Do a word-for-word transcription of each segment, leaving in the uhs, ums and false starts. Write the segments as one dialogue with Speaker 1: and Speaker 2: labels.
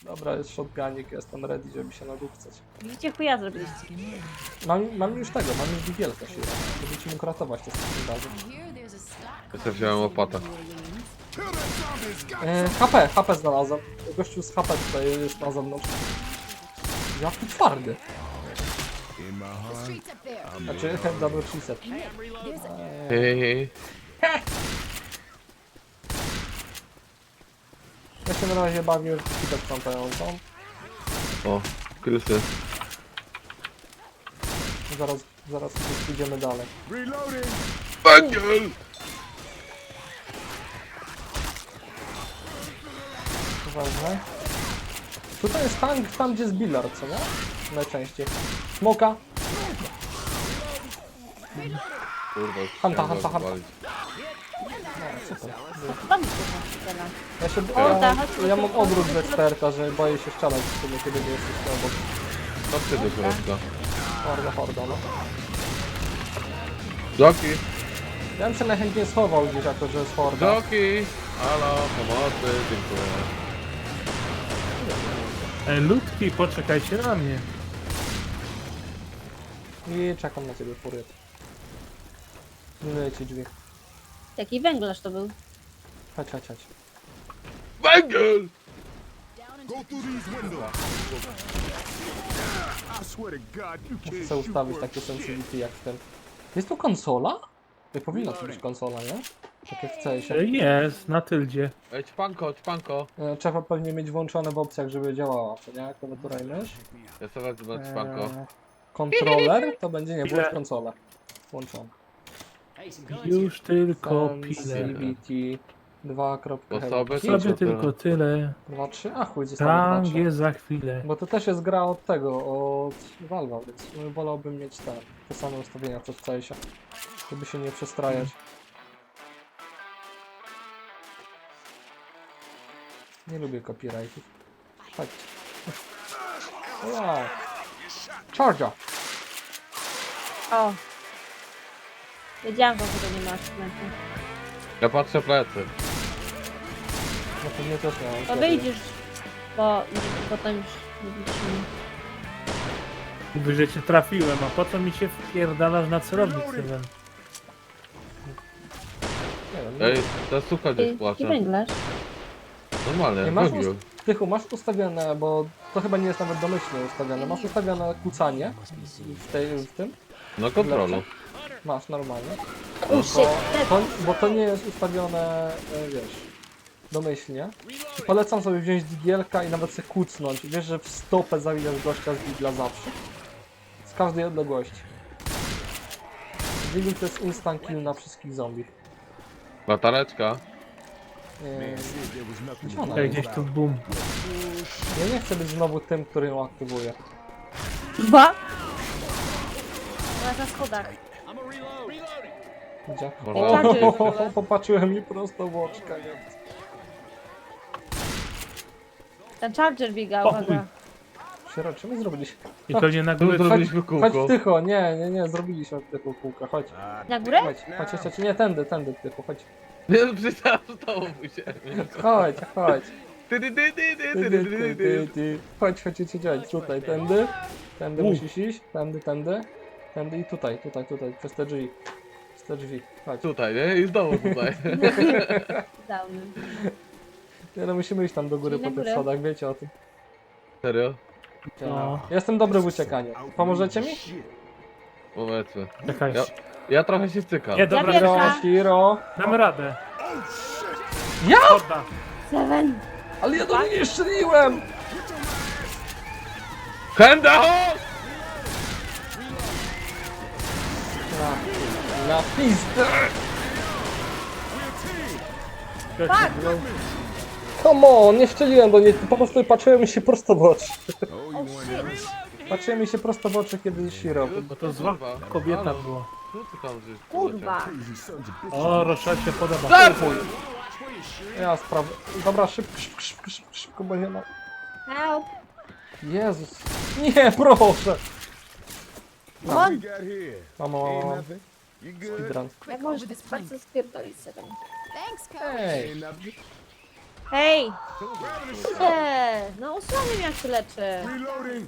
Speaker 1: Dobra, jest shotgunik, jestem ready, żeby się nadupcać.
Speaker 2: Widzicie, chuja zrobiliście.
Speaker 1: Mam, mam już tego, mam już digielkę się. Będziecie mógł ratować te wszystkim razem.
Speaker 3: Ja sobie wziąłem łopatę.
Speaker 1: E, H P, H P znalazłem. Gościu z H P tutaj jest na zewnątrz. Jaki twardy. Znaczy, double reset.
Speaker 3: Hej, hej.
Speaker 1: Ja się na razie bawię w kitę sprzątającą.
Speaker 3: O, krysy.
Speaker 1: Zaraz, zaraz pójdziemy dalej.
Speaker 3: Węgiel!
Speaker 1: Uważaj. Tutaj jest tank, tam gdzie jest Billard, co nie? Najczęściej. Smoka.
Speaker 3: Kurwa,
Speaker 1: Hanta,
Speaker 3: chciałem
Speaker 1: hanta,
Speaker 3: go
Speaker 1: hanta.
Speaker 3: zwalić.
Speaker 1: No, super.
Speaker 2: Tam jest teraz.
Speaker 1: Ja się,
Speaker 2: O,
Speaker 1: ja,
Speaker 2: tak,
Speaker 1: ja mam odwrót z eksperta, że boję się strzelać w sumie, kiedy nie jesteś obok.
Speaker 3: Chodźcie do środka.
Speaker 1: Horda, horda, no.
Speaker 3: Joki!
Speaker 1: Ja bym się najchętniej schował gdzieś jako, że jest horda.
Speaker 3: Joki! Halo, pomocy, dziękuję.
Speaker 4: Ej, ludki, poczekajcie na mnie.
Speaker 1: I czekam na ciebie, furiat. Myję ci drzwi.
Speaker 2: Jaki węglarz to był?
Speaker 1: Chodź, chodź, chodź.
Speaker 3: Węgiel!
Speaker 5: Go through these windows. I swear to God, you
Speaker 1: Muszę
Speaker 5: can't
Speaker 1: sobie
Speaker 5: shoot
Speaker 1: ustawić
Speaker 5: worth
Speaker 1: takie sensitivity jak w tym. Jest tu konsola? Nie powinna tu być konsola, nie? Tak jak w C S-ie.
Speaker 4: Jest, na tyldzie.
Speaker 3: Ej, ćpanko, ćpanko.
Speaker 1: E, Trzeba pewnie mieć włączone w opcjach, żeby działała, to nie? Klawiatura i mysz.
Speaker 3: Ja sobie wezmę ćpanko.
Speaker 1: Eee, kontroler to będzie, nie, włącz
Speaker 4: Ile?
Speaker 1: konsolę. Włączony.
Speaker 4: Już tylko pile.
Speaker 1: Sensitivity dwa kropka
Speaker 3: Osoby
Speaker 1: helki.
Speaker 3: to-
Speaker 4: Sobie tylko tyle.
Speaker 1: dwa trzy, a chuj, zostało
Speaker 4: Tam
Speaker 1: dwa trzy.
Speaker 4: jest za chwilę.
Speaker 1: Bo to też jest gra od tego, od Valve'a, więc wolałbym mieć te, te same ustawienia co w C S-ie, żeby się nie przestrajać. Nie lubię copyrightów. Chodźcie. Wow. Charger!
Speaker 2: O! Wiedziałam, że tego nie masz w ręku.
Speaker 3: Ja patrzę plecy.
Speaker 1: No pewnie też miałem.
Speaker 2: To wyjdziesz, bo potem już nie widzimy.
Speaker 4: Mówię, że cię trafiłem, a po co mi się wpierdalasz na celownik, Sylwen?
Speaker 1: Nie wiem,
Speaker 3: Ej, ta suka gdzieś
Speaker 2: Jaki
Speaker 3: płacze.
Speaker 2: węglarz?
Speaker 3: Normalnie,
Speaker 1: nie masz,
Speaker 3: węgiel.
Speaker 1: ust- Tychu, masz ustawione, bo to chyba nie jest nawet domyślnie ustawione, masz ustawione kłócanie w, tej, w tym?
Speaker 3: No kontrolu.
Speaker 1: Masz, normalnie.
Speaker 2: O, shit,
Speaker 1: To, bo to nie jest ustawione, e, wiesz, domyślnie. I polecam sobie wziąć digielka i nawet sobie kucnąć. Wiesz, że w stopę zawijasz gościa z digla zawsze. Z każdej odległości. Digl to jest instant kill na wszystkich zombie.
Speaker 3: Latareczka.
Speaker 1: Eee,
Speaker 5: there was nothing
Speaker 1: gdzie ona
Speaker 4: Ej,
Speaker 1: jest?
Speaker 4: gdzieś tu boom.
Speaker 1: Ja nie chcę być znowu tym, który ją aktywuje.
Speaker 2: Dwa? Ona na schodach.
Speaker 1: Gdzie?
Speaker 3: Można-
Speaker 1: O, popatrzyłem mi prosto w oczka, nie?
Speaker 2: Ten charger biega,
Speaker 4: O,
Speaker 2: uwaga.
Speaker 1: Sierra, czy my zrobiliśmy?
Speaker 4: I pewnie na
Speaker 3: Tu
Speaker 4: górę...
Speaker 3: zrobiliśmy
Speaker 1: Chodź
Speaker 3: kółko.
Speaker 1: tycho, nie, nie, nie, zrobiliśmy tycho kółka, chodź.
Speaker 2: Na górę?
Speaker 1: Chodź, chodź, chodź, chodź, nie, tędy, tędy tycho, chodź.
Speaker 3: Nie, przecież to musiałem.
Speaker 1: Chodź, chodź.
Speaker 3: Ty, ty, ty, ty, ty,
Speaker 1: Ty,
Speaker 3: ty,
Speaker 1: ty,
Speaker 3: ty,
Speaker 1: ty,
Speaker 3: ty,
Speaker 1: ty,
Speaker 3: ty.
Speaker 1: ty. Chodź, chodź, chodź, chodź, tutaj, tędy. Tędy
Speaker 4: U.
Speaker 1: musisz iść, tędy, tędy. Tędy i tutaj, tutaj, tutaj, przez te drzwi. Przez te drzwi, chodź.
Speaker 3: Tutaj, nie? I znowu tutaj.
Speaker 2: Downy.
Speaker 1: Nie no, musimy iść tam do góry
Speaker 2: Czyli
Speaker 1: po
Speaker 2: na
Speaker 1: tych
Speaker 2: górę?
Speaker 1: schodach, wiecie o tym.
Speaker 3: Serio?
Speaker 4: No.
Speaker 1: Ja jestem dobry w uciekaniu. Pomożecie mi?
Speaker 3: Powiedzmy.
Speaker 4: Czekaj.
Speaker 3: Ja, ja trochę się cykam.
Speaker 4: Nie, dobra,
Speaker 2: Ja
Speaker 1: Hiro,
Speaker 2: pierwsza.
Speaker 1: Hiro.
Speaker 4: damy radę.
Speaker 1: Ja?
Speaker 4: Chodda.
Speaker 2: Seven.
Speaker 1: Ale ja do niej nie strzeliłem!
Speaker 3: Henda!
Speaker 1: Na, na pizdę!
Speaker 2: Tak!
Speaker 1: Come on, nie strzeliłem do niej, po prostu patrzyłem mi się prosto w oczy.
Speaker 2: O shit!
Speaker 1: Patrzyłem mi się prosto w oczy, kiedy Shiro.
Speaker 4: Bo to zła
Speaker 3: Kurwa.
Speaker 4: kobieta
Speaker 3: Halo.
Speaker 4: była.
Speaker 3: Co ty tam żeś
Speaker 2: Kurwa!
Speaker 5: crazy sons of bitches.
Speaker 4: O, Rochelle się podoba.
Speaker 3: Startuj!
Speaker 1: Ja sprawdzę. Dobra, szybko, szybko, szybko, szybko, szybko, bo nie ma...
Speaker 2: Help!
Speaker 1: Jezus. Nie, proszę!
Speaker 2: On!
Speaker 5: We got here.
Speaker 1: Mama, mama,
Speaker 5: Ain't
Speaker 1: mama.
Speaker 5: nothing. You good?
Speaker 1: Speedrun.
Speaker 2: Jak możesz tak bardzo spierdolić Seven?
Speaker 6: Thanks, Coach.
Speaker 1: Ej,
Speaker 5: Ain't nothing.
Speaker 2: Hej! Nie! No No osłaniam jak się leczę.
Speaker 5: Reloading.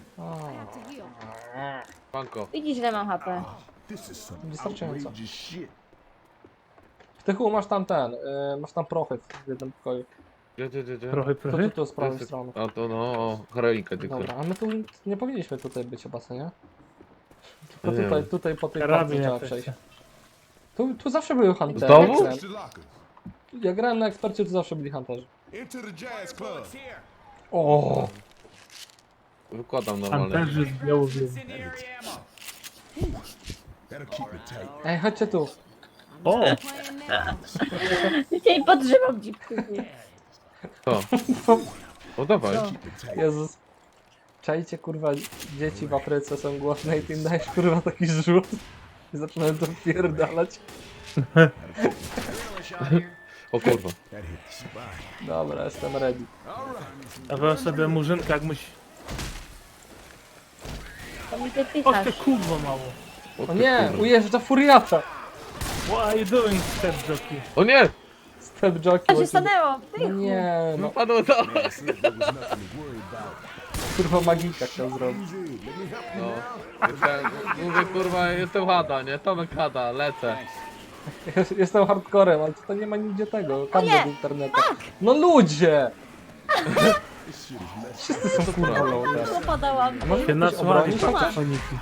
Speaker 3: Panko.
Speaker 2: Widzisz, ile mam H P.
Speaker 5: This is some
Speaker 1: Wystarczająco.
Speaker 5: outrageous shit.
Speaker 1: W Tychu masz tam ten, y, masz tam prochy w jednym pokoju.
Speaker 3: Gdzie, gdzie, gdzie, gdzie?
Speaker 4: Trochę,
Speaker 1: To tu,
Speaker 4: trochę.
Speaker 1: tu z prawej
Speaker 3: Jest-
Speaker 1: strony.
Speaker 3: A to no, o, heroinkę tylko.
Speaker 1: Dobra, a my tu nie powinniśmy tutaj być chyba, co nie? Tylko
Speaker 3: Nie
Speaker 1: tutaj,
Speaker 3: wiem.
Speaker 1: tutaj po tej
Speaker 4: Karabin
Speaker 1: parce trzeba
Speaker 4: jakoś.
Speaker 1: przejść. Tu, tu zawsze były huntery.
Speaker 3: Znowu?
Speaker 1: jak grałem.
Speaker 5: Search the lockers.
Speaker 1: Ja grałem na ekspercie, tu zawsze byli hunterzy.
Speaker 5: Into the jazz club.
Speaker 1: O,
Speaker 3: Wykładam normalnie.
Speaker 4: Panterzy z Białowielu.
Speaker 5: That'll keep it tight.
Speaker 1: ej, chodźcie tu.
Speaker 4: O!
Speaker 2: Dzisiaj podżywam dzipku.
Speaker 3: To. O, dawaj.
Speaker 2: Co?
Speaker 5: Keep it tight.
Speaker 1: Jezus. Czajcie, kurwa, dzieci w Afryce są głodne i ty im dajesz, kurwa, taki rzut. I zaczynają to wpierdalać.
Speaker 3: O kurwa.
Speaker 5: That hit the spine.
Speaker 1: Dobra, jestem ready.
Speaker 4: A wy sobie murzynka jak musi...
Speaker 2: To mi ty
Speaker 4: O
Speaker 2: pytasz.
Speaker 4: ty kurwa mało.
Speaker 1: O
Speaker 3: ty
Speaker 1: nie,
Speaker 3: kurwa.
Speaker 1: ujeżdża furiata.
Speaker 4: What are you doing, step jockey?
Speaker 3: O nie!
Speaker 1: Step jockey.
Speaker 2: Co się
Speaker 1: łazi-
Speaker 2: stanęło?
Speaker 1: No
Speaker 2: Tychu.
Speaker 1: nie, no,
Speaker 3: Wypadło to!
Speaker 5: Man, it seems there was nothing to worry about.
Speaker 1: kurwa magika chciał zrobić.
Speaker 5: Easy. Let me help you
Speaker 3: No.
Speaker 5: now.
Speaker 3: Jestem, mówię kurwa, jestem Hada, nie? Tomek Hada, lecę.
Speaker 1: Jest- Jestem hardcorem, ale tutaj nie ma nigdzie tego, kabla
Speaker 2: nie,
Speaker 1: do internetu. No ludzie!
Speaker 5: This shit is messed
Speaker 1: Wszyscy są kurwa low teraz.
Speaker 2: Popadałam.
Speaker 1: A może
Speaker 4: Się
Speaker 1: ktoś
Speaker 4: nasłali
Speaker 1: obronić chociaż?
Speaker 4: kaksofoniki.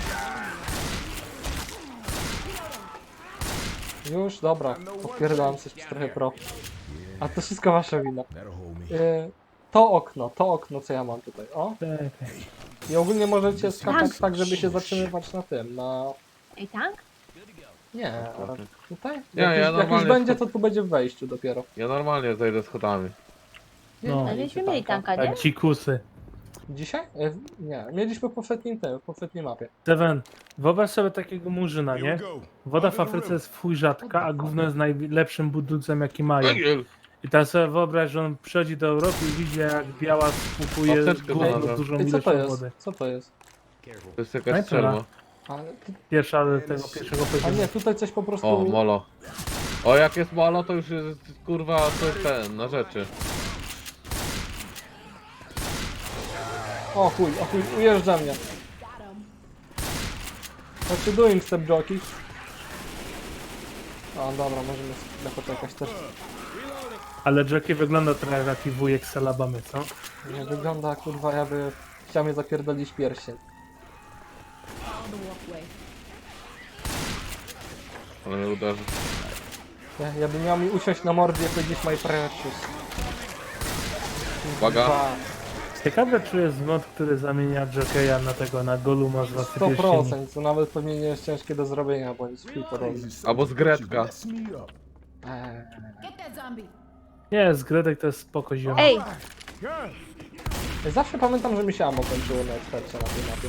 Speaker 1: Już, dobra, odpierdalam coś przy trochę pro. A to wszystko wasza wina.
Speaker 5: That'll hold me.
Speaker 1: Y, to okno, to okno co ja mam tutaj, o.
Speaker 4: Czekaj.
Speaker 1: I ogólnie możecie skakać tak, żeby się zatrzymywać na tym, na...
Speaker 2: Ej, tank?
Speaker 1: Nie, tutaj?
Speaker 3: Nie,
Speaker 1: jak,
Speaker 3: ja
Speaker 1: już, jak już
Speaker 3: normalnie
Speaker 1: będzie,
Speaker 3: wchod-
Speaker 1: to tu będzie w wejściu dopiero.
Speaker 3: Ja normalnie zejdę schodami.
Speaker 4: No.
Speaker 2: Ale myśmy mieli tanka,
Speaker 4: A
Speaker 2: nie?
Speaker 4: dzikusy.
Speaker 1: Dzisiaj? Y, Nie, mieliśmy w poprzednim tym, w poprzedniej mapie.
Speaker 4: Steven, wyobraź sobie takiego murzyna,
Speaker 5: Here
Speaker 4: nie?
Speaker 5: we go.
Speaker 4: Woda w Afryce jest w chuj rzadka, a gówno jest najlepszym budulcem jaki mają.
Speaker 3: Węgiel!
Speaker 4: I teraz sobie wyobraź, że on przychodzi do Europy i widzi jak biała spłukuje
Speaker 3: Apteczkę
Speaker 4: gówno
Speaker 3: znalazłem.
Speaker 4: dużą
Speaker 1: I co to
Speaker 4: ilością
Speaker 1: jest?
Speaker 4: wody.
Speaker 1: Co to jest?
Speaker 3: To jest jakaś
Speaker 4: Snajpera.
Speaker 3: strzelba.
Speaker 1: Ale, tu-
Speaker 4: Pierwsza tego pierwszego
Speaker 1: a
Speaker 4: poziomu.
Speaker 1: nie, tutaj coś po prostu...
Speaker 3: O, molo. O, jak jest molo, to już jest kurwa, to jest ten, na rzeczy.
Speaker 1: O chuj, o chuj, ujeżdża mnie. What you doing, step jockey? O, dobra, możemy chwilę poczekać też.
Speaker 4: Ale Jackie wygląda trochę jak taki wujek z Alabamy, co?
Speaker 1: Nie wygląda, kurwa, jakby chciał mnie zapierdolić pierścień.
Speaker 3: Ale mnie uderzy.
Speaker 1: Ja, ja bym miał mi usiąść na mordzie i powiedzieć my precious.
Speaker 3: Uwaga.
Speaker 1: Kurwa,
Speaker 4: Ciekawe czy jest mod, który zamienia Jockeya na tego, na Goluma z Władcy
Speaker 1: sto
Speaker 4: Pierścieni.
Speaker 1: procent, to nawet pewnie nie jest ciężkie do zrobienia, bo nic chuj podobny.
Speaker 3: Albo z Gretka.
Speaker 5: Mess me up.
Speaker 1: Eee,
Speaker 6: Get that zombie.
Speaker 4: Nie, z Gredek to jest spoko ziom.
Speaker 2: Ej,
Speaker 1: ja zawsze pamiętam, że mi się ammo kończyło na ekspercie na tej mapie.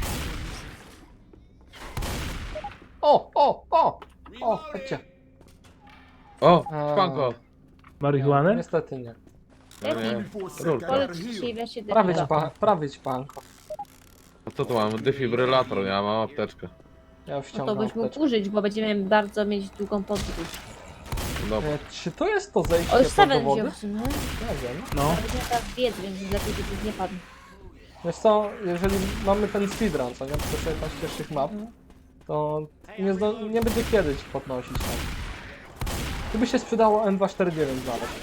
Speaker 1: O, o, o! O, chodźcie.
Speaker 3: O,
Speaker 1: Eee.
Speaker 3: szpanko.
Speaker 4: Marihuanę?
Speaker 1: Niestety nie.
Speaker 3: No nie.
Speaker 5: Before sec,
Speaker 3: Rurka.
Speaker 5: I gotta
Speaker 2: poleć
Speaker 5: heal.
Speaker 2: się wreszcie
Speaker 1: Prawie ci,
Speaker 2: defila.
Speaker 1: pa, prawie ci panko.
Speaker 3: A co tu mam? Defibrylator, ja mam apteczkę.
Speaker 1: Ja już
Speaker 2: No to
Speaker 1: ściągam
Speaker 2: byś mógł
Speaker 1: apteczkę.
Speaker 2: użyć, bo będziemy bardzo mieć długą podróż.
Speaker 3: Dobra.
Speaker 1: E, Czy to jest to zejście
Speaker 2: O, już
Speaker 1: pod
Speaker 2: Steven
Speaker 1: wody?
Speaker 2: wziął w sumie.
Speaker 1: Nie wiem.
Speaker 4: No.
Speaker 2: Ale będziemy teraz biec, więc lepiej, żeby nie padł.
Speaker 1: Wiesz co, jeżeli mamy ten speedrun, co nie, to sobie tam z pierwszych map, to nie, zdo, nie będzie kiedy ci podnosić tam. Tu by się sprzedało M dwieście czterdzieści dziewięć znaleźć.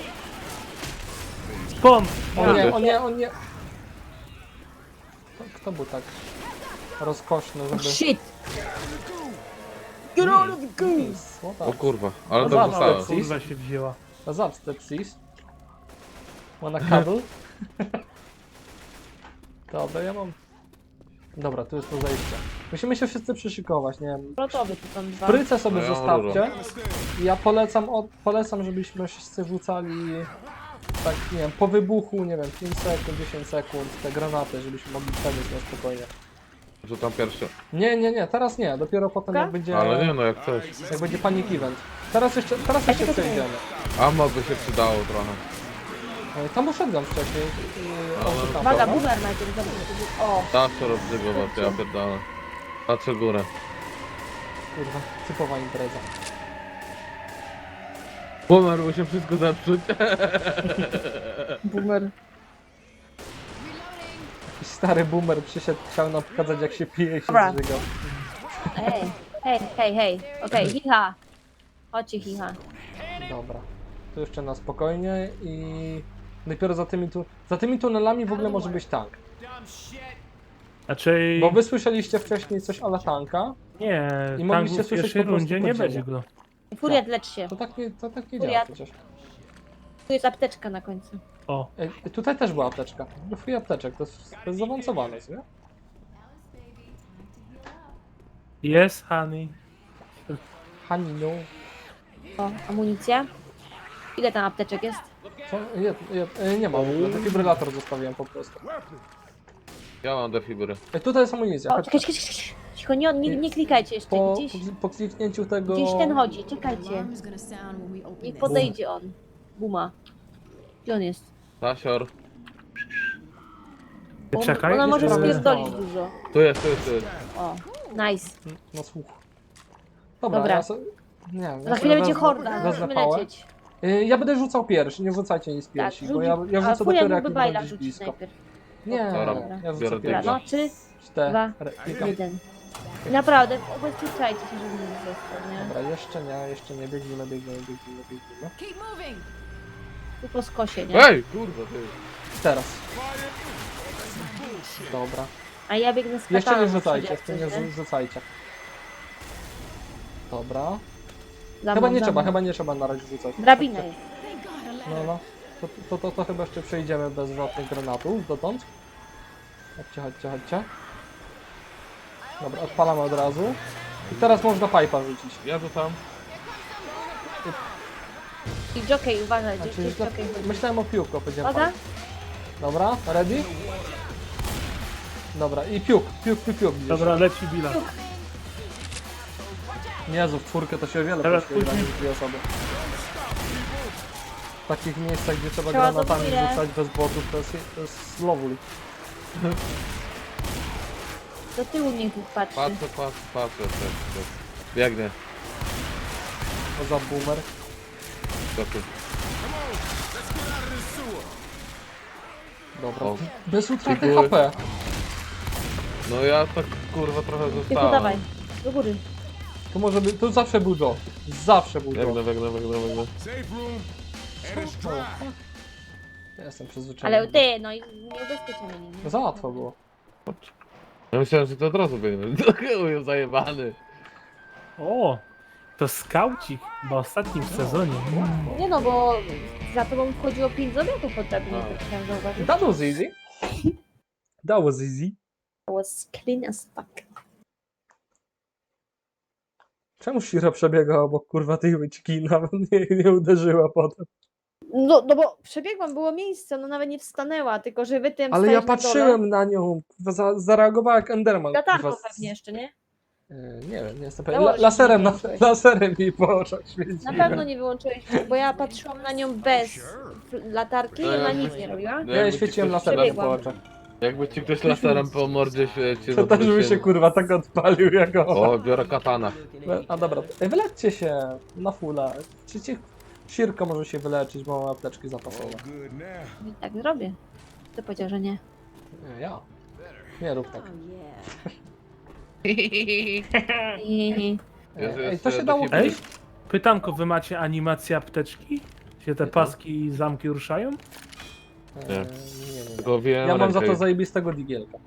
Speaker 4: Skąd?
Speaker 1: O nie,
Speaker 3: Kurde.
Speaker 1: o nie, o nie! Kto, kto był tak rozkoszny, żeby...
Speaker 2: Shit!
Speaker 1: Please, what
Speaker 3: O
Speaker 1: up?
Speaker 3: kurwa, ale
Speaker 1: No
Speaker 3: to
Speaker 1: za
Speaker 3: zostało.
Speaker 1: małe.
Speaker 4: Kurwa się wzięła.
Speaker 1: What's up, stepsis? Wanna cuddle? Dobra, ja mam... Dobra, tu jest to zejście. Musimy się wszyscy przyszykować, nie wiem.
Speaker 2: Protowy tu są dwa.
Speaker 1: Pryce sobie
Speaker 3: No ja mam
Speaker 1: zostawcie. Ja polecam, od, polecam, żebyśmy wszyscy rzucali tak, nie wiem, po wybuchu, nie wiem, pięć sekund, dziesięć sekund, te granaty, żebyśmy mogli przebiec na spokojnie.
Speaker 3: Rzucam pierwszy.
Speaker 1: Nie, nie, nie, teraz nie, dopiero potem jak będzie,
Speaker 3: Ale nie no, jak coś.
Speaker 1: jak będzie panic event. Teraz jeszcze, teraz jeszcze przejdziemy.
Speaker 3: Ammo by się przydało trochę.
Speaker 1: E, Tam uszedłem wcześniej. Yy,
Speaker 3: Ale-
Speaker 1: o, tam,
Speaker 2: Uwaga,
Speaker 1: dobra?
Speaker 2: boomer najpierw zobacz. O,
Speaker 3: Zawsze rozbrygować, ja pierdolę. Patrzę górę.
Speaker 1: Kurwa, typowa impreza.
Speaker 3: Pomarło się wszystko zepsuć.
Speaker 2: boomer.
Speaker 1: stary boomer przyszedł, chciał nam pokazać jak się pije i się
Speaker 2: Dobra.
Speaker 1: zżygał.
Speaker 2: Hej, hej, hej, hej. Okej, hiha. Chodźcie, hiha.
Speaker 1: Dobra. To jeszcze na spokojnie i dopiero za tymi tu... Za tymi tunelami w ogóle może być tank.
Speaker 4: Znaczy...
Speaker 1: Bo wy słyszeliście wcześniej coś ala tanka,
Speaker 4: Nie,
Speaker 1: I
Speaker 4: tam
Speaker 1: mogliście
Speaker 4: w
Speaker 1: słyszeć
Speaker 4: pierwszej
Speaker 1: po prostu
Speaker 4: rundzie nie
Speaker 1: podziemia.
Speaker 4: będzie go.
Speaker 2: Furiat, lecz się.
Speaker 1: to tak nie, to tak nie
Speaker 2: Furiat.
Speaker 1: działa przecież.
Speaker 2: Tu jest apteczka na końcu.
Speaker 4: O,
Speaker 1: Ej, tutaj też była apteczka. Free apteczek, to jest, to jest zaawansowane, nie?
Speaker 4: jest honey.
Speaker 1: Haninu.
Speaker 2: O, amunicja. Ile tam apteczek jest?
Speaker 1: Co? Je, je, e, nie ma w ogóle, defibrylator zostawiłem po prostu.
Speaker 3: Ja mam defibry.
Speaker 1: Ej, tutaj jest amunicja,
Speaker 2: O,
Speaker 1: chodź.
Speaker 2: czekaj, czekaj, czekaj. Cicho, nie, nie, nie klikajcie jeszcze.
Speaker 1: Po,
Speaker 2: Gdzieś,
Speaker 1: po kliknięciu tego...
Speaker 2: gdzieś ten chodzi, czekajcie.
Speaker 6: Alarm is gonna sound when we open
Speaker 2: Niech
Speaker 6: this.
Speaker 2: podejdzie on. Buma. Gdzie on jest?
Speaker 3: Tasior.
Speaker 2: On,
Speaker 4: Czekaj,
Speaker 2: ona może
Speaker 1: jeszcze-
Speaker 2: spierdolić dużo.
Speaker 3: Tu jest, tu jest, tu jest.
Speaker 2: O, nice.
Speaker 1: No słuch. Dobra,
Speaker 2: Dobra.
Speaker 1: ja so... Nie, ja
Speaker 2: Za chwilę będzie
Speaker 1: wezmę-
Speaker 2: horda,
Speaker 1: wezmę
Speaker 2: musimy
Speaker 1: pałę.
Speaker 2: lecieć.
Speaker 1: Y, Ja będę rzucał pierwszy, nie rzucajcie nic
Speaker 2: Tak,
Speaker 1: pierwsi, bo
Speaker 2: rzuci,
Speaker 1: ja, ja
Speaker 2: a
Speaker 1: rzucę
Speaker 2: Furiat
Speaker 1: dopiero jak
Speaker 2: mógłby
Speaker 1: już
Speaker 2: bajla
Speaker 1: będziesz
Speaker 2: rzucić
Speaker 1: blisko.
Speaker 2: najpierw.
Speaker 1: Nie,
Speaker 3: Dobra,
Speaker 1: ja rzucę
Speaker 3: biorę
Speaker 2: Dobra,
Speaker 1: pierwszy.
Speaker 2: no, trzy,
Speaker 1: Cztery.
Speaker 2: dwa,
Speaker 1: Dobra,
Speaker 2: jeden. Naprawdę, ubezpieczajcie się, żeby nie został, nie?
Speaker 1: Dobra, jeszcze nie, jeszcze nie, biegnijmy, biegnijmy, biegnijmy, biegnijmy.
Speaker 6: Keep moving.
Speaker 2: Tu po skosie, nie?
Speaker 3: Ej, kurwa, ty.
Speaker 1: Teraz. Dobra.
Speaker 2: A ja biegnę z
Speaker 1: Jeszcze
Speaker 2: kataną
Speaker 1: nie
Speaker 2: na
Speaker 1: rzucajcie,
Speaker 2: przodzie,
Speaker 1: w tym nie
Speaker 2: jak coś,
Speaker 1: rzu- rzucajcie. Dobra.
Speaker 2: Za
Speaker 1: Chyba
Speaker 2: mną,
Speaker 1: nie
Speaker 2: za
Speaker 1: trzeba,
Speaker 2: mną.
Speaker 1: chyba nie trzeba na razie rzucać.
Speaker 2: Drabina jest.
Speaker 6: Thank God a ladder.
Speaker 1: No, no. To, to, to, to chyba jeszcze przejdziemy bez żadnych granatów dotąd. Chodźcie, chodźcie, chodźcie. Dobra, odpalamy od razu. I teraz można pipa rzucić.
Speaker 3: Ja rzucam.
Speaker 2: I jockey, uważaj, gdzieś
Speaker 1: Znaczy,
Speaker 2: gdzieś jockey chodzi.
Speaker 1: myślałem o piłku, powiedziałem
Speaker 2: Uwaga.
Speaker 1: pipe. Dobra, ready? Dobra, i piłk, piłk, piłk, piłk. gdzieś.
Speaker 4: Dobra, leci Bila.
Speaker 1: Jezu, w czwórkę to się o wiele
Speaker 4: Teraz
Speaker 1: prościej gra
Speaker 4: później-
Speaker 1: niż dwie osoby. W takich miejscach, gdzie trzeba
Speaker 2: Trzeba
Speaker 1: granatami
Speaker 2: dominę.
Speaker 1: rzucać bez botów, to jest, to jest lowul.
Speaker 2: Do tyłu niech patrzy.
Speaker 3: Patrzę, patrzę, patrzę. Tak, tak. Biegnę.
Speaker 1: To za boomer.
Speaker 3: Skoczy.
Speaker 1: Dobra.
Speaker 3: O.
Speaker 1: Bez utraty
Speaker 3: Figury.
Speaker 1: H P.
Speaker 3: No ja tak kurwa trochę
Speaker 2: Tylko
Speaker 3: zostałem.
Speaker 2: dawaj, do góry.
Speaker 1: To może by, to zawsze był Joe. Zawsze był
Speaker 3: Biegnę,
Speaker 1: Joe.
Speaker 3: biegnę, biegnę, biegnę.
Speaker 5: Safe room, and it's dry.
Speaker 1: Ja jestem przyzwyczajony.
Speaker 2: Ale ty, no i nie ubezpieczamy nim.
Speaker 1: No za łatwo było.
Speaker 3: Ja myślałem, że to od razu biegnę. Do chyłu zajebany.
Speaker 4: O, to skaucik, bo ostatnim w sezonie.
Speaker 2: Nie no, bo za tobą wchodziło pięć zabiegów pod drabiną,
Speaker 3: A.
Speaker 2: tak chciałam zauważyć.
Speaker 1: That was easy. That was easy.
Speaker 2: It was clean as fuck.
Speaker 1: Czemu Shira przebiegała obok kurwa tej łyczki i nawet nie, nie uderzyła potem?
Speaker 2: No, no bo przebiegłam, było miejsce, no nawet nie wstanęła, tylko że wy tym
Speaker 1: Ale ja
Speaker 2: stajesz na dole.
Speaker 1: patrzyłem na nią, kurwa, za, zareagowała jak Enderman.
Speaker 2: Latarką
Speaker 1: kurwa, z-
Speaker 2: pewnie jeszcze, nie?
Speaker 1: E, Nie wiem, nie jestem
Speaker 2: Dało
Speaker 1: pewien. La,
Speaker 2: się
Speaker 1: laserem, na,
Speaker 2: wyłączyć.
Speaker 1: laserem jej po oczach świeci.
Speaker 2: Na pewno nie wyłączyłeś, bo ja patrzyłam na nią bez latarki i
Speaker 3: No
Speaker 2: ona
Speaker 3: jakby-
Speaker 2: nic nie robiła.
Speaker 3: No
Speaker 1: Ja jej
Speaker 3: jakby ci
Speaker 1: świeciłem
Speaker 3: ktoś-
Speaker 1: laserem po
Speaker 2: Przebiegłam.
Speaker 1: oczach.
Speaker 3: Jakby ci ktoś laserem po mordzie się cię
Speaker 1: To też by
Speaker 3: zawrócił.
Speaker 1: się kurwa tak odpalił jak ona.
Speaker 3: O, biorę katana.
Speaker 1: A dobra, Ej, wyleczcie się na fulla. Czy ci Shirko może się wyleczyć, bo ma apteczki zapasowe.
Speaker 5: All good now.
Speaker 2: I tak zrobię. Kto powiedział, że nie?
Speaker 1: Nie, ja. Nie rób tak.
Speaker 6: Oh yeah.
Speaker 2: I...
Speaker 3: Jest
Speaker 1: Ej,
Speaker 3: jeszcze
Speaker 1: to się dało
Speaker 3: defibryl.
Speaker 4: Ej, pytanko, wy macie animację apteczki? Się te paski i zamki ruszają?
Speaker 1: E,
Speaker 3: Nie.
Speaker 1: nie, nie, nie.
Speaker 3: Tylko wiem
Speaker 1: Ja mam za
Speaker 3: rękę.
Speaker 1: to zajebistego digielka.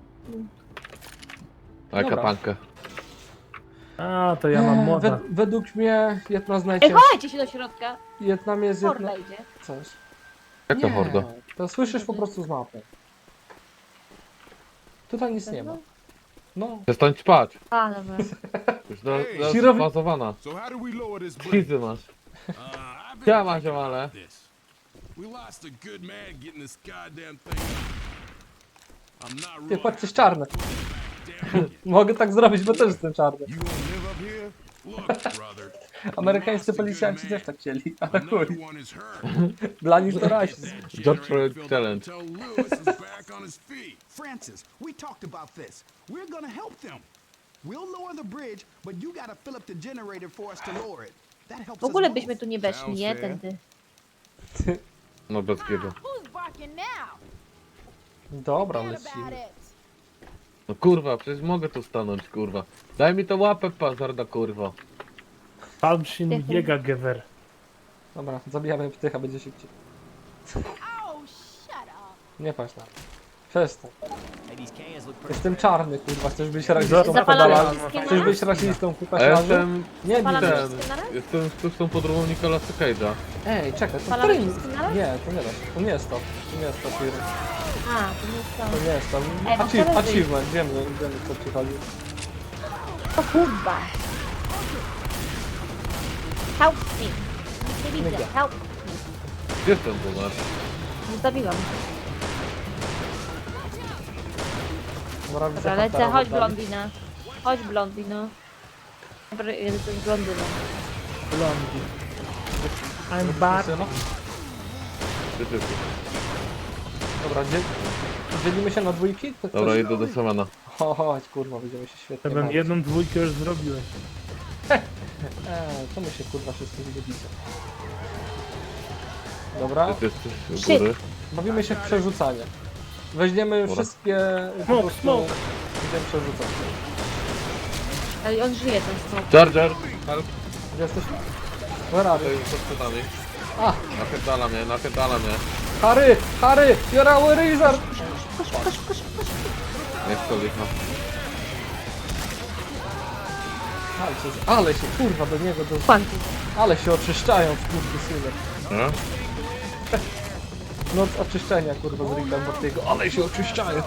Speaker 3: A
Speaker 1: Dobra.
Speaker 3: katankę.
Speaker 4: A, to ja mam
Speaker 1: Eee,
Speaker 4: moda.
Speaker 1: wed- według mnie jedna z
Speaker 2: Ej,
Speaker 1: najcięższych...
Speaker 2: chowajcie się do środka!
Speaker 1: Wietnam jest jedna...
Speaker 2: Horda idzie.
Speaker 1: Coś.
Speaker 3: Jaka
Speaker 1: Nie,
Speaker 3: horda?
Speaker 1: to słyszysz po prostu z mapy. Tutaj nic nie ma. No,
Speaker 3: Przestań spać.
Speaker 2: A, dobra.
Speaker 3: Już do, do
Speaker 1: Shirowi-
Speaker 3: spazowana.
Speaker 5: So how do we lower this bridge?
Speaker 3: Kizy masz.
Speaker 5: Uh, I've been
Speaker 3: Siema,
Speaker 5: thinking
Speaker 3: ziomale.
Speaker 5: about this. We lost a good man getting this goddamn thing up. I'm not
Speaker 1: ty
Speaker 5: really
Speaker 1: patrz, jest czarny.
Speaker 5: damn it.
Speaker 1: Mogę tak zrobić, bo też jestem czarny.
Speaker 5: You gonna live up here? Look, brother.
Speaker 1: Amerykańscy
Speaker 5: we lost a
Speaker 1: policjanci
Speaker 5: good
Speaker 1: też
Speaker 5: man.
Speaker 1: tak chcieli, ale chuj.
Speaker 5: Another one is hurt.
Speaker 1: Dla nich to rasizm.
Speaker 3: George Floyd challenge.
Speaker 5: Tell Lewis is back on his feet.
Speaker 7: Francis, we talked about this. We're gonna help them. We'll lower the bridge, but you gotta fill up the generator for us to lower it. That helps
Speaker 2: W ogóle
Speaker 7: us
Speaker 2: byśmy
Speaker 7: both.
Speaker 2: tu nie weszli, nie?
Speaker 5: Sounds fair.
Speaker 2: Tędy.
Speaker 3: No bez kiego.
Speaker 8: Who's barking now?
Speaker 1: Dobra,
Speaker 8: Forget about
Speaker 1: lecimy.
Speaker 8: it.
Speaker 3: No kurwa, przecież mogę tu stanąć, kurwa. Daj mi to łapę, pazarda, kurwa.
Speaker 4: Palmshin Jägergewehr.
Speaker 1: Dobra, zabijamy ptycha, będzie szybciej. Nie patrz na to. Przestań. Jestem czarny, kurwa, chcesz być rasistą,
Speaker 2: Zapalamy
Speaker 1: pedala.
Speaker 2: wszystkie
Speaker 1: Chcesz być
Speaker 2: naraz?
Speaker 1: rasistą, kurwa,
Speaker 3: A ja
Speaker 1: ślazu?
Speaker 3: jestem...
Speaker 1: Nie bij
Speaker 2: Zapalamy
Speaker 1: ten.
Speaker 2: wszystkie naraz?
Speaker 3: Jestem sztuczną podróbą Nicolasa Cage'a.
Speaker 1: Ej, czekaj, to
Speaker 2: Zapalamy
Speaker 1: którym...
Speaker 2: wszystkie naraz?
Speaker 1: Nie, to nie da się. To nie jest to. To nie jest to, firma.
Speaker 2: A, to nie jest
Speaker 1: To
Speaker 2: to.
Speaker 1: nie jest to.
Speaker 2: Ej, bo
Speaker 1: Achiev-
Speaker 2: teraz
Speaker 1: Achievement, wiemy, wiemy co ci chodzi.
Speaker 2: O kurwa. Help me. Nie widzę, help me.
Speaker 3: Gdzie ten tu masz?
Speaker 2: Zabiłam.
Speaker 1: Dobra, widzę
Speaker 2: Dobra, lecę,
Speaker 1: Huntera
Speaker 2: chodź
Speaker 1: w oddali.
Speaker 2: blondina. Chodź blondino. Dobra, jestem blondyną.
Speaker 4: Blondi. I'm back.
Speaker 1: Syno?
Speaker 3: Ty, ty, ty.
Speaker 1: Dobra, dzie... dzielimy się na dwójki? To
Speaker 3: Dobra,
Speaker 1: ktoś-
Speaker 3: idę do Samana.
Speaker 1: Ho, chodź, kurwa, będziemy się świetnie
Speaker 4: Ja bym
Speaker 1: bawić.
Speaker 4: jedną dwójkę już zrobiłem.
Speaker 1: Eee, to my się kurwa wszyscy zgodzicie. Dobra,
Speaker 3: Ty jesteś u
Speaker 2: Shit.
Speaker 3: góry.
Speaker 1: bawimy się w przerzucanie. Weźmiemy
Speaker 3: Dobra.
Speaker 1: wszystkie... po
Speaker 4: Smoke,
Speaker 1: prostu
Speaker 4: smoke.
Speaker 1: Będziemy przerzucać.
Speaker 2: Ale on żyje ten smok.
Speaker 3: Charger! Help!
Speaker 1: Gdzie jesteś? Where are
Speaker 3: To
Speaker 1: you?
Speaker 3: jest pod schodami.
Speaker 1: A,
Speaker 3: Napierdala mnie, napierdala mnie.
Speaker 1: Harry! Harry! You're our wizard!
Speaker 3: Niech to licha.
Speaker 1: Ale się, ale się kurwa do niego, do...
Speaker 2: Kwanty.
Speaker 1: ale się oczyszczają w kurwy synek.
Speaker 3: No?
Speaker 1: Noc oczyszczenia kurwa z Ricka Mortiego, ale się oczyszczają.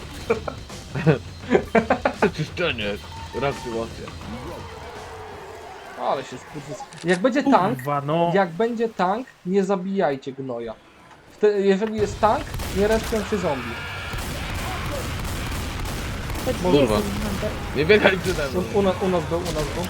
Speaker 3: Czyszczenie. Reaktywacja.
Speaker 1: Ale się skurwys... Jak będzie tank,
Speaker 4: Kurwa, no.
Speaker 1: jak będzie tank, nie zabijajcie gnoja. Wte- jeżeli jest tank, nie respią się zombie.
Speaker 2: To
Speaker 3: Kurwa.
Speaker 2: gdzie jest ten Hunter?
Speaker 3: Nie biegaj przede mną.
Speaker 1: U, u, nas, u nas był, u nas był.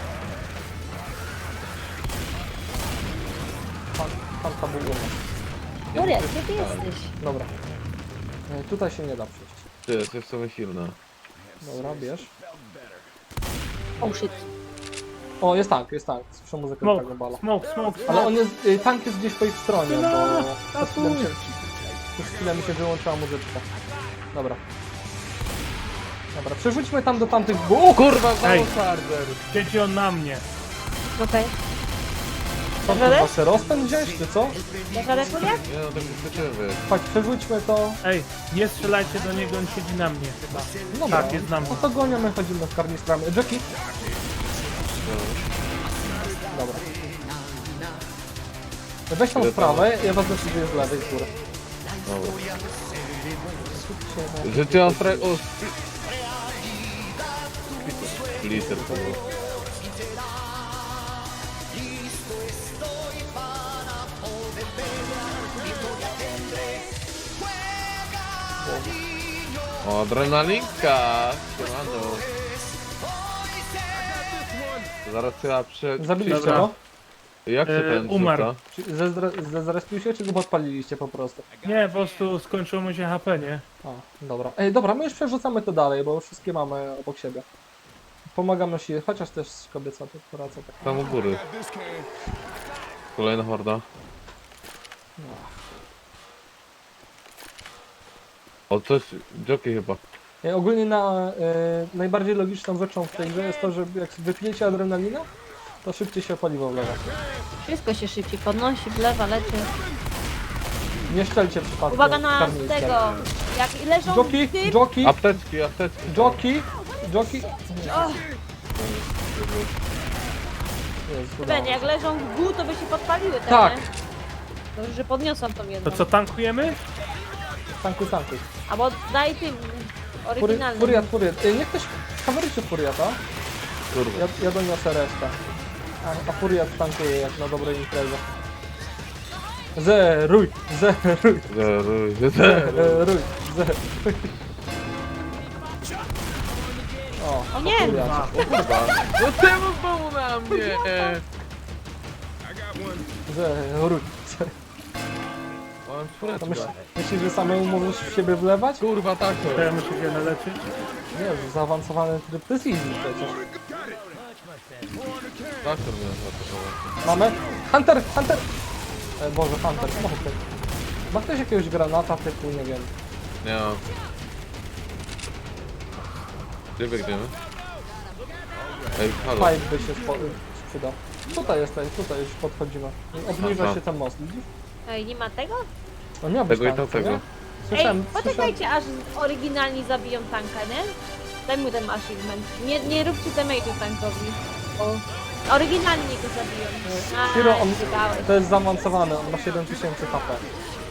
Speaker 1: Pan, panka był u nas.
Speaker 2: Gloria, gdzie ty jesteś?
Speaker 1: Dobra. E, tutaj się nie da przejść.
Speaker 3: Ty, to jest w sumie silne.
Speaker 1: Dobra, bierz.
Speaker 2: Oh shit.
Speaker 1: O, jest tank, jest tank. Słyszę muzykę
Speaker 4: Smoke,
Speaker 1: tego bala.
Speaker 4: smoke, smoke,
Speaker 1: Ale
Speaker 4: smoke.
Speaker 1: on jest, y, tank jest gdzieś po ich stronie,
Speaker 4: No,
Speaker 1: bo
Speaker 4: a
Speaker 1: przez chwilę mi
Speaker 4: tu.
Speaker 1: się, przez chwilę mi się wyłączyła muzyczka. Dobra. Dobra, przerzućmy tam do tamtych dwóch.
Speaker 3: O kurwa,
Speaker 4: Ej.
Speaker 3: znowu Charger!
Speaker 4: Siedzi on na mnie.
Speaker 2: Okej.
Speaker 1: Co,
Speaker 2: Dasz radę?
Speaker 1: kurwa, se rozpęd wziąć, czy co?
Speaker 2: Dasz radę, Gloria?
Speaker 3: Nie no, tak wyskoczywy.
Speaker 1: Chodź, przerzućmy to.
Speaker 4: Ej, nie strzelajcie do niego, on siedzi na mnie chyba.
Speaker 1: Dobra,
Speaker 4: Tak, jest na mnie.
Speaker 1: no to goniamy, chodzimy w karnistrami. Jackie? Dobra. Weź tą
Speaker 3: Ile
Speaker 1: sprawę, ja was decyduję z lewej, z góry.
Speaker 3: Dobra. Życie ostre... O! Liter to było. O, adrenalinka! Siemano. Zaraz trzeba prze...
Speaker 1: Zabiliście
Speaker 4: Dobra.
Speaker 1: go?
Speaker 3: Jak się
Speaker 4: E,
Speaker 3: ten
Speaker 4: umarł.
Speaker 3: rzuca?
Speaker 1: Czy zezdre- Zezrespił się, czy go podpaliliście po prostu?
Speaker 4: Nie, po prostu skończyło mu się H P, nie?
Speaker 1: A, dobra. Ej, dobra, my już przerzucamy to dalej, bo wszystkie mamy obok siebie. Pomagamy się, chociaż też kobieca to praca tak.
Speaker 3: Tam u góry. Kolejna horda. O, coś... Jockey chyba.
Speaker 1: Ej, ogólnie na, y, najbardziej logiczną rzeczą w tej grze jest to, że jak wypijecie adrenalinę, to szybciej się paliwo wlewa.
Speaker 2: Wszystko się szybciej podnosi, wlewa, leci.
Speaker 1: Nie szczelcie przypadkiem.
Speaker 2: Uwaga na
Speaker 1: karnister.
Speaker 2: tego. Jak leżą
Speaker 1: Joki,
Speaker 2: tym...
Speaker 1: joki,
Speaker 3: Apteczki, apteczki.
Speaker 1: joki, joki.
Speaker 2: O,
Speaker 1: Jest, udało
Speaker 2: Ben,
Speaker 1: się.
Speaker 2: jak leżą w dół, to by się podpaliły te,
Speaker 1: Tak.
Speaker 2: nie? Dobrze, że podniosłam tą jedną.
Speaker 4: To co, tankujemy?
Speaker 1: Tankuj, tankuj.
Speaker 2: Albo daj tym
Speaker 1: Fury,
Speaker 2: oryginalnym.
Speaker 1: furiat, furiat. Ej, niech ktoś kamerujcie furiata.
Speaker 3: Kurwa.
Speaker 1: Ja, ja doniosę resztę. A, a furiat tankuje jak na dobrej imprezie. Zeruj, zeruj,
Speaker 3: Zeruj, zeruj.
Speaker 1: zeruj, zeruj. O,
Speaker 2: O nie!
Speaker 1: furiat.
Speaker 4: Dwa.
Speaker 3: Kurwa. No czemu znowu na mnie?
Speaker 1: Zeruj.
Speaker 3: Mam
Speaker 1: To
Speaker 3: czwóreczkę.
Speaker 1: myśl, myślisz, że samemu możesz w siebie wlewać?
Speaker 3: Kurwa, tak
Speaker 4: To
Speaker 3: to.
Speaker 4: ja muszę się naleczyć.
Speaker 1: Nie, zaawansowany tryb to jest easy przecież.
Speaker 3: Tak to mnie zaatakował.
Speaker 1: Mamy? Hunter, Hunter! E, Boże, Hunter, samochód. Ma ktoś jakiegoś granata typu, nie wiem.
Speaker 3: Nie mam. Gdzie biegniemy? Ej, halo.
Speaker 1: Pipe by się spo- sprzydał. Tutaj jest, tutaj, tutaj już podchodzimy. Obniża
Speaker 3: Aha.
Speaker 1: się ten most, widzisz?
Speaker 2: Ej, nie ma tego?
Speaker 1: No miał być
Speaker 3: Tego i
Speaker 1: tank, co
Speaker 3: tamtego.
Speaker 1: nie?
Speaker 2: Ej,
Speaker 1: Słyszałem, słyszałem.
Speaker 2: poczekajcie aż oryginalni zabiją tanka, nie? Daj mu ten achievement. Nie, nie róbcie damage'u tankowi. O. Oryginalnie go zabiją. A,
Speaker 1: Hiro, on,
Speaker 2: wydałeś.
Speaker 1: to jest zaawansowany, on ma siedem tysięcy H P.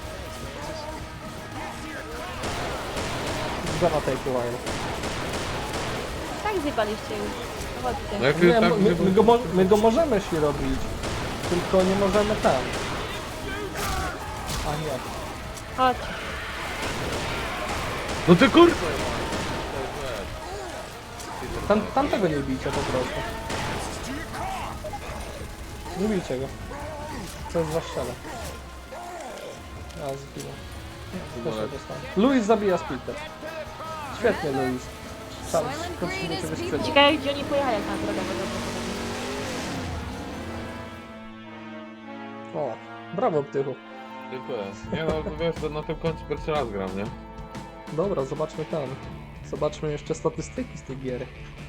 Speaker 1: Gonna take a while.
Speaker 2: Tak zjebaliście już. No chodźcie.
Speaker 3: No jak już
Speaker 1: Nie,
Speaker 3: tak,
Speaker 1: my, my, go, mo- my go możemy się robić, tylko nie możemy ten. A nie.
Speaker 2: Chodź.
Speaker 3: No ty kurwa!
Speaker 1: Tam, tamtego nie bijcie po prostu. Nie bijcie go. Co jest za ściana? A, zginął. Też się dostałem. Luis zabija Splitter. Świetnie, Luis. Sam, skończymy ciebie sprzeciw.
Speaker 2: Ciekawe, gdzie oni pojechali, jak na drogę wodową.
Speaker 1: O, brawo, Ptychu.
Speaker 3: Dziękuję. Nie no, wiesz, to na tym koncie pierwszy raz gram, nie?
Speaker 1: Dobra, zobaczmy tam. Zobaczmy jeszcze statystyki z tej giery.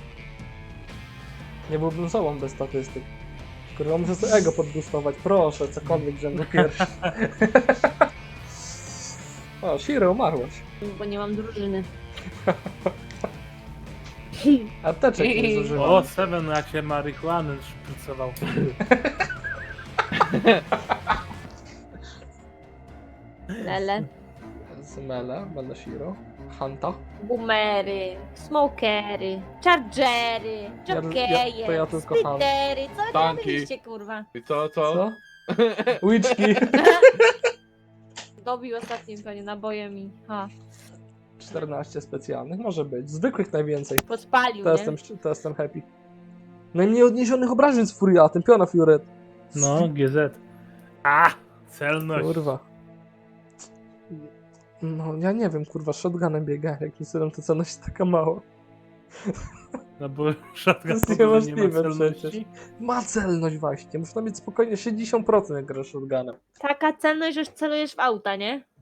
Speaker 1: Nie byłbym sobą bez statystyk. Kurwa, muszę sobie ego podgustować. Proszę, cokolwiek, żebym był pierwszy. O, Shiro, umarłaś.
Speaker 2: Bo nie mam drużyny.
Speaker 1: Apteczek nie zużywam.
Speaker 4: O, Seven jak się marihuanę szprycował.
Speaker 2: Lele.
Speaker 1: Zmele, będę Shiro. Hanta.
Speaker 2: Boomery, smokery, chargery,
Speaker 1: Ja-
Speaker 2: jokeje,
Speaker 1: ja- to ja tylko
Speaker 2: splittery, co wy
Speaker 3: Tanki.
Speaker 2: robiliście, kurwa?
Speaker 3: I co, co?
Speaker 1: Co? Łyczki.
Speaker 2: Dobił ostatnim pewnie nabojem i ha,
Speaker 1: czternaście specjalnych, może być. Zwykłych najwięcej.
Speaker 2: podpalił,
Speaker 1: To
Speaker 2: nie?
Speaker 1: jestem, to jestem happy. Najmniej odniesionych obrażeń z Furiatem, piona Fioret.
Speaker 4: No, G Z. A, celność.
Speaker 1: Kurwa. No, ja nie wiem, kurwa, shotgunem biega, jakim cudem to celność jest taka mała.
Speaker 4: No bo shotgun
Speaker 1: jest
Speaker 4: po prostu nie ma
Speaker 1: niemożliwe
Speaker 4: celności.
Speaker 1: przecież. Ma celność właśnie, można mieć spokojnie sześćdziesiąt procent jak grasz shotgunem.
Speaker 2: Taka celność, że już celujesz w auta, nie?